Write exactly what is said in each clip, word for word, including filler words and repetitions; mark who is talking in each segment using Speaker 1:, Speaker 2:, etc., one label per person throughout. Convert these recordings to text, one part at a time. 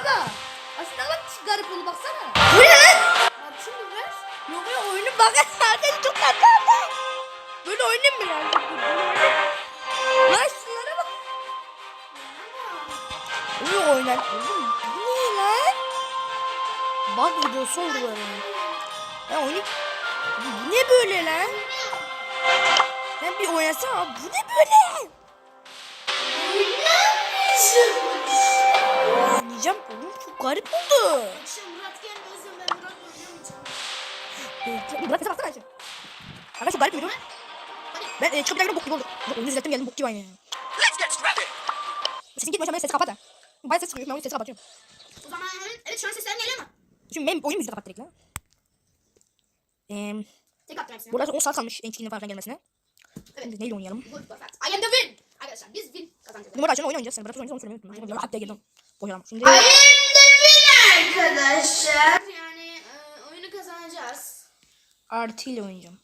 Speaker 1: bak. Aslında bak garip oldu baksana. Bu ne lan? Bak şimdi ver. Yok ya oyunun bakın arkadaşlar çok tatlı oldu. Böyle oynayayım mı lan? Lan şunlara bak. Oyun oynar. Oğlum bu ne lan? Bak videosu oldu böyle. Ya oyun... Bu ne böyle lan? Ben bir oynasana. Bu ne böyle? Oynayacağım. Oğlum çok garip oldu.
Speaker 2: Murat gelmiyorsun, ben Murat oynayamayacağım.
Speaker 1: Murat bize baksana. Arkadaş çok garip bir video. Ben e, çıkıp bok gibi oldu. Oyunu izlettim geldim bok gibi aynı. Sesin gitmiyorsa ben sesi kapat ha. Bayağı ses çıkıyor. Ben oyunu sesi kapatıyorum.
Speaker 2: O zaman evet şu an seslerim geliyor mu?
Speaker 1: Şimdi benim oyun müziği kapat direkt lan. Eee...
Speaker 2: Tek attım hepsini.
Speaker 1: Burada on saat kalmış en çıkının falan gelmesine.
Speaker 2: Evet.
Speaker 1: Şimdi neyle oynayalım?
Speaker 2: Good perfect. I am the win. Arkadaşlar biz win kazanacağız.
Speaker 1: Numara açın oyun oynayacağız. Sen bırak oyunu söylemeyi unutma. Şimdi hatta girdim. Boyalım. Şimdi...
Speaker 2: I am the win arkadaşlar. Yani e, oyunu kazanacağız.
Speaker 1: Artı ile oynayacağım.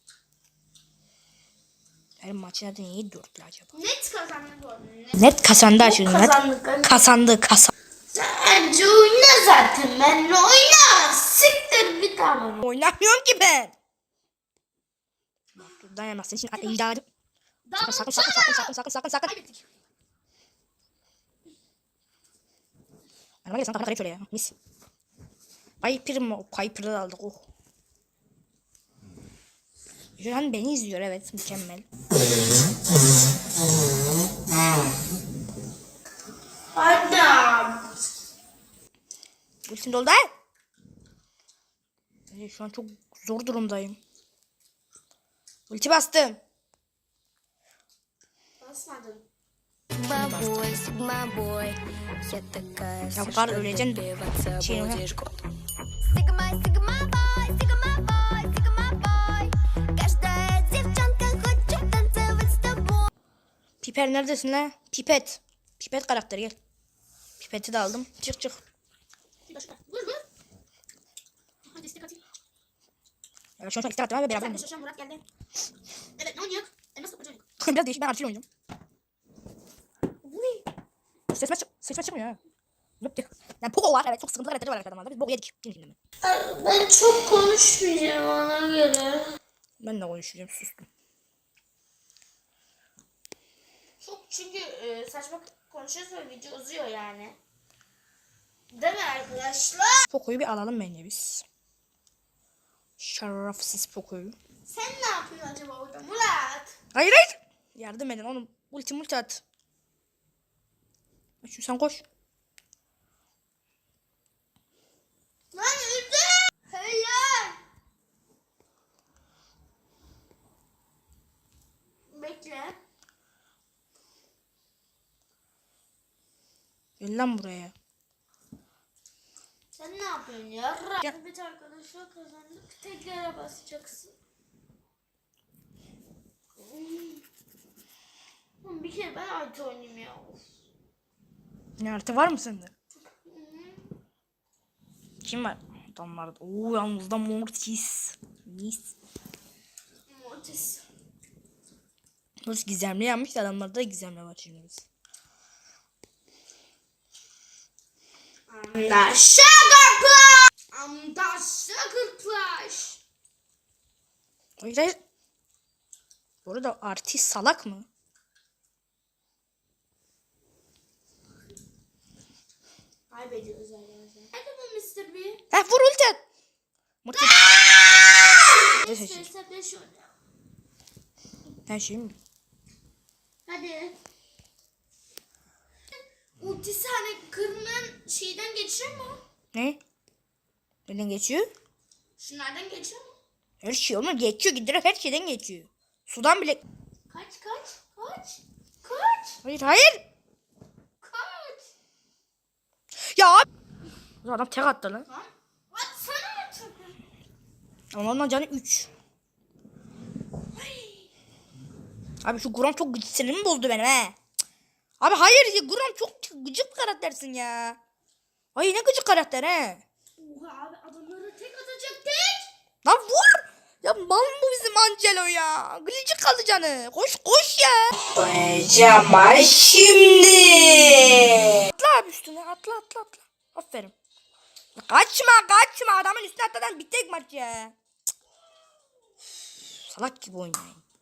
Speaker 1: Her maçı nereden iyi dörtlü acaba?
Speaker 2: Net kazandık bu arada. Net.
Speaker 1: Net kazandı açın.
Speaker 2: Kazandık.
Speaker 1: Net kazandı kazandı.
Speaker 2: Sence oyna zaten, ben oyna. Siktir bir tane.
Speaker 1: Oynamıyorum ki ben. Dur dayanamazsın. Şimdi idadım. Sakın sakın sakın sakın sakın sakın sakın sakın.
Speaker 2: Kaybettik.
Speaker 1: Bana gel sen kafana kayıp şöyle ya. Mis. Piper mı? Piper'ı aldık. Oh. Şu an beni izliyor evet. Mükemmel.
Speaker 2: Adam.
Speaker 1: Ultim doldu. Evet, şu an çok zor durumdayım. Ulti bastım.
Speaker 2: Basmadım.
Speaker 1: Ya bu kadar öleceksin. Şey yok. Piper neredesin lan? Pipet. Pipet karakteri gel. Pipeti de aldım. Çık çık.
Speaker 2: Vur vur. Hadi istek atayım.
Speaker 1: Ya şu an istek attım ama beraber
Speaker 2: Arkadaşlar şu an Murat geldi. Evet ne oynuyor? Elmas kapacak.
Speaker 1: Biraz değişik ben artıyla oynayacağım. Sesime, çık sesime çıkmıyor ha. Yok diyor. Yani Poco var evet çok sıkıntılı karakteri var arkadaşlar. Biz Poco yedik. Şimdi
Speaker 2: Ben çok konuşmayacağım ona göre.
Speaker 1: ben de konuşacağım sustum.
Speaker 2: Çok çünkü e, saçma konuşuyoruz ve video uzuyor yani. Değil mi arkadaşlar?
Speaker 1: Poco'yu bir alalım bence biz. Şerefsiz Poco'yu.
Speaker 2: Sen ne yapıyorsun acaba orada Murat?
Speaker 1: Hayır hayır. Yardım edin oğlum. Ulti multi at. Şu sen koş.
Speaker 2: Lan öldü. Hayır. Bekle.
Speaker 1: Gel lan buraya.
Speaker 2: Sen ne yapıyorsun ya?
Speaker 1: Ya.
Speaker 2: Evet arkadaşlar kazandık. Tekrar basacaksın. Hmm. Bir kere ben artı oynayayım ya.
Speaker 1: Ne artı var mı sende? Kim var? Adamlar. Oo yalnız da Mortis. Mis.
Speaker 2: Mortis.
Speaker 1: Mortis gizemli yapmış da adamlarda da gizemli var şimdi biz.
Speaker 2: I'm the sugar plush. I'm the sugar plush.
Speaker 1: Hayır hayır. Bu arada artist salak mı?
Speaker 2: Kaybediyoruz arkadaşlar. Hadi bu mister B.
Speaker 1: Ha vur ulti at. Mortis. Ne seçecek?
Speaker 2: mister beş oynuyor.
Speaker 1: Her şey mi?
Speaker 2: Hadi. Ultisi hani kırmızı şeyden geçiyor mu?
Speaker 1: Ne? Neden geçiyor?
Speaker 2: Şunlardan geçiyor mu?
Speaker 1: Her şey olmaz. Geçiyor gidiyor. Her şeyden geçiyor. Sudan bile.
Speaker 2: Kaç kaç kaç kaç
Speaker 1: Hayır hayır.
Speaker 2: kaç.
Speaker 1: Ya abi. Adam tek attı lan.
Speaker 2: Lan atsana artık.
Speaker 1: Ama ondan canı üç. Abi şu Grom çok gıcık sinirimi bozdu benim he. Abi hayır ya Grom çok gıcık bir karaktersin ya. Ay ne gıcık karakter he.
Speaker 2: Oha abi adamları tek atacak tek.
Speaker 1: Lan vur. Ya mal mı bu bizim Angelo ya? Gıcık kaldı canı. Koş koş ya. Koyacağım şimdi. Atla abi üstüne atla atla atla. Aferin. Kaçma kaçma adamın üstüne atladan bir tek maç ya. Cık. Salak gibi oynayın.